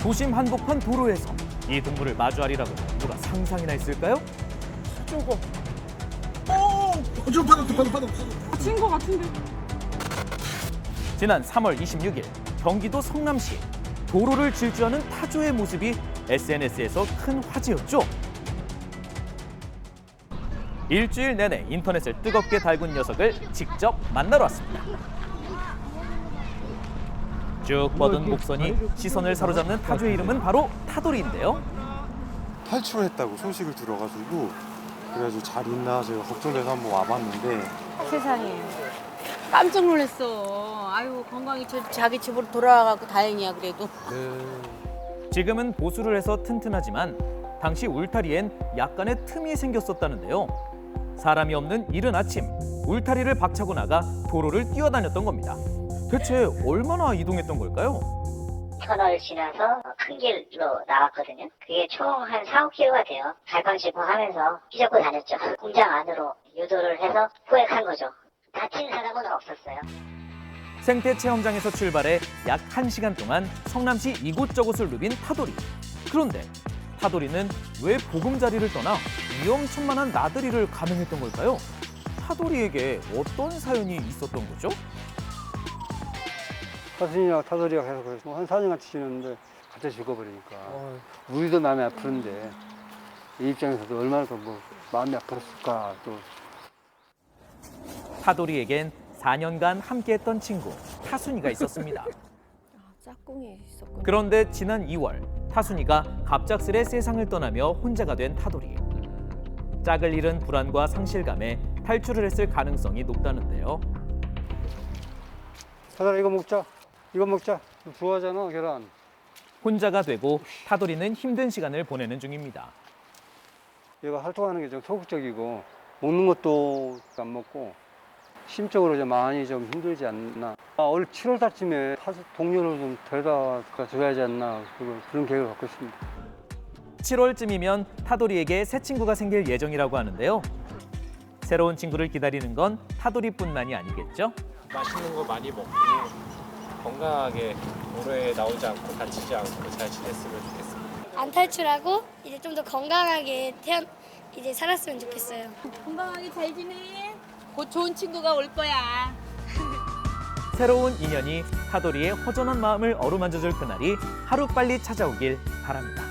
도심 한복판 도로에서 이 동물을 마주하리라고 누가 상상이나 했을까요? 저거 저 바닥. 친 거 같은데. 지난 3월 26일 경기도 성남시 도로를 질주하는 타조의 모습이 SNS에서 큰 화제였죠. 일주일 내내 인터넷을 뜨겁게 달군 녀석을 직접 만나러 왔습니다. 쭉 뻗은 목선이 시선을 사로잡는 타조의 이름은 바로 타돌이인데요. 탈출했다고 소식을 들어가지고 그래가지고 잘 있나 제가 걱정돼서 한번 와봤는데 세상에 깜짝 놀랐어. 아유 건강히 자기 집으로 돌아와갖고 다행이야 그래도. 지금은 보수를 해서 튼튼하지만 당시 울타리엔 약간의 틈이 생겼었다는데요. 사람이 없는 이른 아침 울타리를 박차고 나가 도로를 뛰어다녔던 겁니다. 대체 얼마나 이동했던 걸까요? 터널 지나서 큰 길로 나왔거든요. 그게 총 한 4, 5km가 돼요. 갈팡질팡하면서 휘젓고 다녔죠. 공장 안으로 유도를 해서 포획한 거죠. 다친 사람은 없었어요. 생태 체험장에서 출발해 약 1시간 동안 성남시 이곳저곳을 누빈 타돌이. 그런데 타돌이는 왜 보금자리를 떠나 위험천만한 나들이를 감행했던 걸까요? 타돌이에게 어떤 사연이 있었던 거죠? 타순이랑 타돌이가 계속 한 4년 같이 지냈는데 갑자기 죽어버리니까 우리도 마음이 아프는데 이 입장에서도 얼마나 더 마음이 아팠을까 또. 타돌이에겐 4년간 함께했던 친구 타순이가 있었습니다. 짝꿍이 있었구나. 그런데 지난 2월 타순이가 갑작스레 세상을 떠나며 혼자가 된 타돌이. 짝을 잃은 불안과 상실감에 탈출을 했을 가능성이 높다는데요. 타돌아 이거 먹자. 이거 먹자. 좋아하잖아 계란. 혼자가 되고 타돌이는 힘든 시간을 보내는 중입니다. 얘가 활동하는 게 좀 소극적이고 먹는 것도 안 먹고 심적으로 좀 많이 좀 힘들지 않나. 올 7월 달쯤에 동료를 좀 데려다 줘야지 않나 그런 계획을 갖고 있습니다. 7월쯤이면 타돌이에게 새 친구가 생길 예정이라고 하는데요. 새로운 친구를 기다리는 건 타돌이뿐만이 아니겠죠? 맛있는 거 많이 먹고 건강하게 도로에 나오지 않고 다치지 않고 잘 지냈으면 좋겠습니다. 안 탈출하고 이제 좀 더 건강하게 이제 살았으면 좋겠어요. 건강하게 잘 지내. 곧 좋은 친구가 올 거야. 새로운 인연이 타돌이의 허전한 마음을 어루만져줄 그날이 하루빨리 찾아오길 바랍니다.